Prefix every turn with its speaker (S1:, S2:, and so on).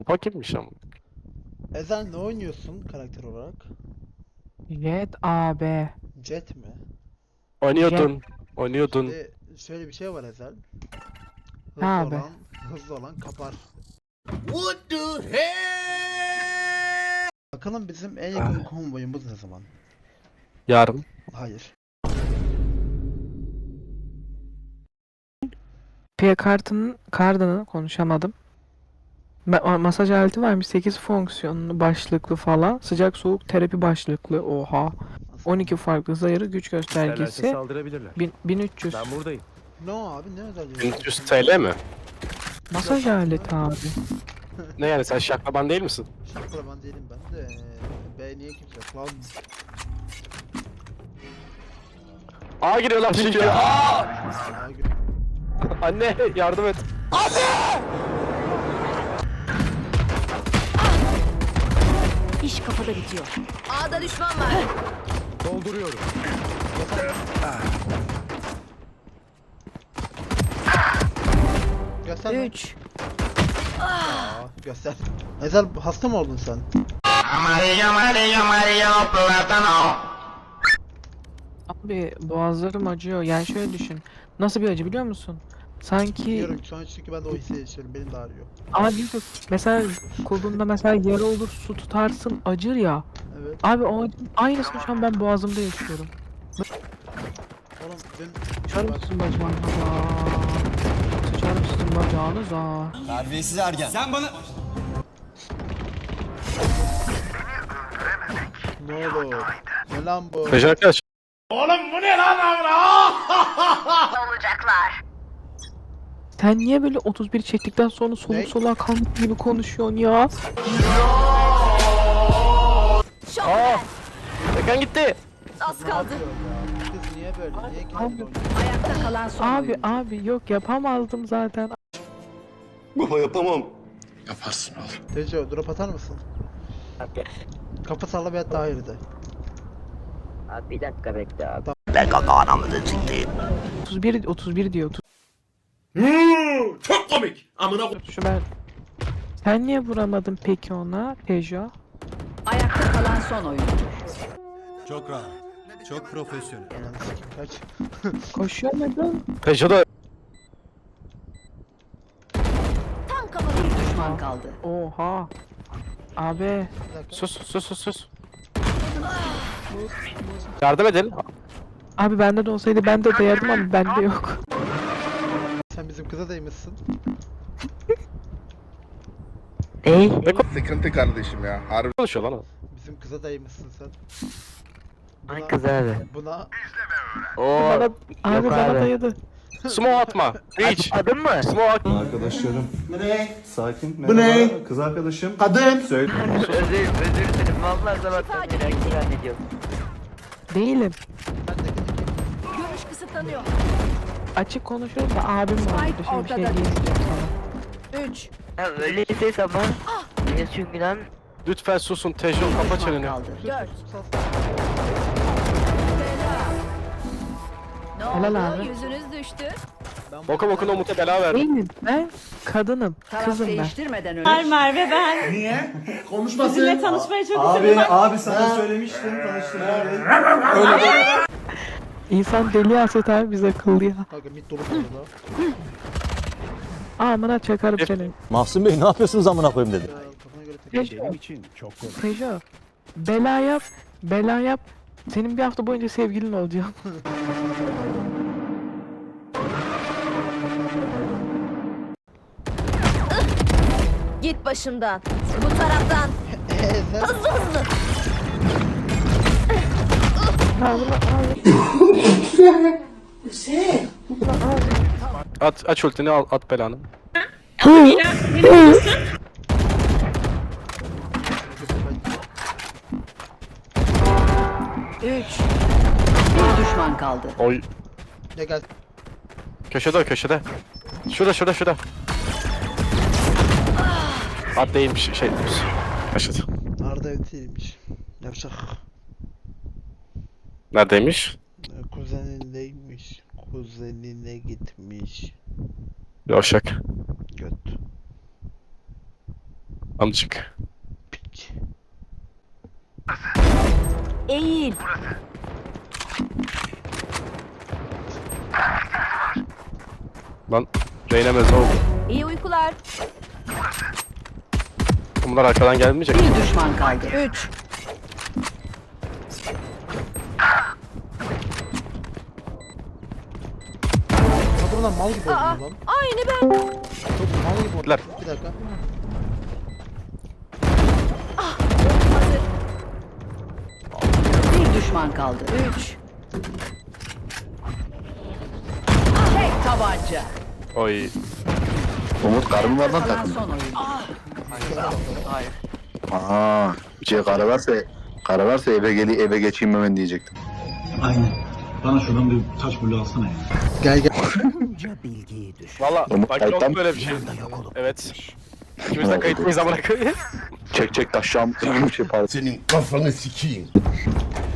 S1: Paketmiş ama.
S2: Ezel ne oynuyorsun karakter olarak?
S3: Jet AB.
S2: Jet mi?
S3: Jet.
S1: Oynuyordun. Oynuyordun.
S2: Şimdi şöyle bir şey var Ezel. Hızlı
S3: Abi.
S2: olan, hızlı olan kapar.
S4: What the hell?
S2: Bakalım bizim en yakın konvoyumuz ne zaman?
S1: Yarın.
S2: Hayır.
S3: P kartının konuşamadım. Masaj aleti varmış 8 fonksiyonlu başlıklı falan. Sıcak soğuk terapi başlıklı. Oha.
S2: Nasıl?
S3: 12 farklı zayırı güç
S5: İsterlerse
S3: göstergesi.
S5: saldırabilirler.
S3: 1300.
S5: Ben buradayım.
S2: Ne o abi ne özel
S1: 1300 TL mi?
S3: Masaj aleti abi.
S1: Ne yani sen şaklaban değil misin?
S2: Şaklaban değilim ben de. B niye kimse yok lan?
S1: Aa giriyorlar çünkü. Aa!
S2: Aa,
S1: Anne yardım et.
S6: İş kafada bitiyor. A'da düşman var.
S5: Dolduruyorum.
S2: Göster lan.
S6: 3.
S2: Aa, göster. Ezel hasta mı oldun sen?
S3: Abi boğazlarım acıyor. Yani şöyle düşün. Nasıl bir acı biliyor musun? Sanki
S2: Biliyorum şu an çünkü ben de o hissi yaşıyorum. Benim de ağrıyor.
S3: abi yok. Mesela kolunda mesela yara olur su tutarsın acır ya.
S2: Evet.
S3: Abi o aynısını şu an ben boğazımda yaşıyorum.
S2: Oğlum dün
S3: Sıçar mısın bacağınıza? Sıçar mısın bacağınıza?
S4: Terbiyesiz ergen. Sen bana...
S2: ne olur? Ne lan bu?
S1: Peki arkadaş.
S3: Sen niye böyle 31 çektikten sonra
S2: Ne?
S3: soluk soluğa kalmış gibi konuşuyorsun ya?
S1: Aa! Tekan gitti.
S6: Az kaldı.
S2: Kız niye böyle? Niye
S3: Abi.
S2: kendini oynuyor?
S6: Ayakta kalan son oyuncu.
S3: Abi yok yapamazdım zaten.
S7: Baba yapamam.
S2: Tejo drop atar mısın? Kapı salla bir hatta hayır de.
S8: Abi bir dakika bekle abi.
S3: 31 diyor.
S7: Çok komik. Amına
S3: Şu ben. Sen niye vuramadın peki ona Tejo?
S6: Ayakta kalan son oyuncu.
S4: Çok rahat. Çok profesyonel.
S2: Ananı sikim kaç.
S3: Koşamadın.
S1: Peugeot da
S6: Tam kafada bir düşman kaldı.
S3: Oha. Abi.
S2: Bir dakika.
S1: sus. Yardım edin.
S3: Abi bende de olsaydı ben de dayardım ama bende yok.
S2: Sen bizim kıza değmişsin.
S3: Ey.
S7: Sıkıntı kardeşim ya. Harbi.
S1: Konuşuyor lan o.
S2: Bizim kıza değmişsin sen.
S8: Ay kız abi.
S2: Buna
S8: Oo.
S3: Bana, abi
S8: Yok
S3: bana
S8: abi.
S3: dayadı.
S1: Smoke atma. Reach.
S8: Adın mı?
S1: Smoke atma.
S9: Arkadaşlarım. Bu ne? Sakin. Bu ne? Kız arkadaşım. Söyle.
S8: Özür dilerim. Vallahi sabahtan beri erkek zannediyorum.
S3: Değilim.
S6: Görüş kısıtlanıyor.
S3: Açık konuşuyorum da abim var burada. Şimdi bir şey
S6: ortada.
S3: diyemeyeceğim sana.
S6: 3.
S8: Ya öyleyse tamam. Niye çünkü lan?
S1: Lütfen susun Tejo kapa çeneni.
S6: Kaldı. 4. Ne
S3: Helal
S6: oldu?
S3: abi.
S6: Yüzünüz düştü.
S1: Boka bokuna Umut'a bela verdim.
S3: Değilim. Ben kadınım.
S6: Taraf
S3: Kızım ben.
S6: değiştirmeden önce.
S10: Merve ben.
S9: Niye?
S10: Sizinle tanışmayı çok
S9: Abi,
S10: istedim.
S9: abi sana söylemiştim. Tanıştırma.
S3: İnsan deli haset abi biz akıllı ya.
S2: kanka mid dolu burada.
S3: Amına çakarım seni.
S9: Mahsun Bey ne yapıyorsunuz amına koyayım dedi.
S2: Kafana göre tek.
S3: Tejo.
S5: Benim için çok kolay.
S3: Tejo. Bela yap. Bela yap. Senin bir hafta boyunca sevgilin olacağım.
S6: Git başımdan. Bu taraftan.
S2: Ezel.
S6: Hızlı hızlı.
S1: Aç ultini al at belanı.
S6: 3. Bir düşman kaldı.
S1: Oy.
S2: Ya gel.
S1: Köşede. Şurada. At değilmiş şey. Başladı.
S2: Arda evdeymiş. Yapacak.
S1: Neredeymiş?
S2: Kuzenindeymiş. Kuzenine gitmiş.
S1: Yavşak.
S2: Göt.
S1: Amcık.
S6: Eğil.
S1: Lan Reyna meze oldu.
S6: İyi uykular.
S1: Bunlar arkadan gelmeyecek.
S8: Bir düşman kaldı.
S6: 3.
S2: Kadınlar mal gibi oldu lan.
S6: Aynı ben.
S2: Çok mal gibi oldu.
S1: Gittiler.
S2: Bir dakika.
S8: Bir düşman kaldı.
S6: 3.
S8: Tek tabanca.
S1: Oy.
S7: Umut karım var lan
S8: Kalan
S7: takım.
S8: son oyun.
S3: Hayır.
S7: Aha. Karı varsa eve geçeyim hemen diyecektim.
S9: Aynen. Bana şuradan bir taş bulu alsana ya.
S2: Gel gel.
S1: Valla
S7: Umut
S1: bak yok
S7: kayıttan-
S1: böyle bir şey. Evet. İkimiz de kayıt mıyız amına koyayım?
S7: Çek taşşam. Pardon.
S5: Senin kafanı sikeyim.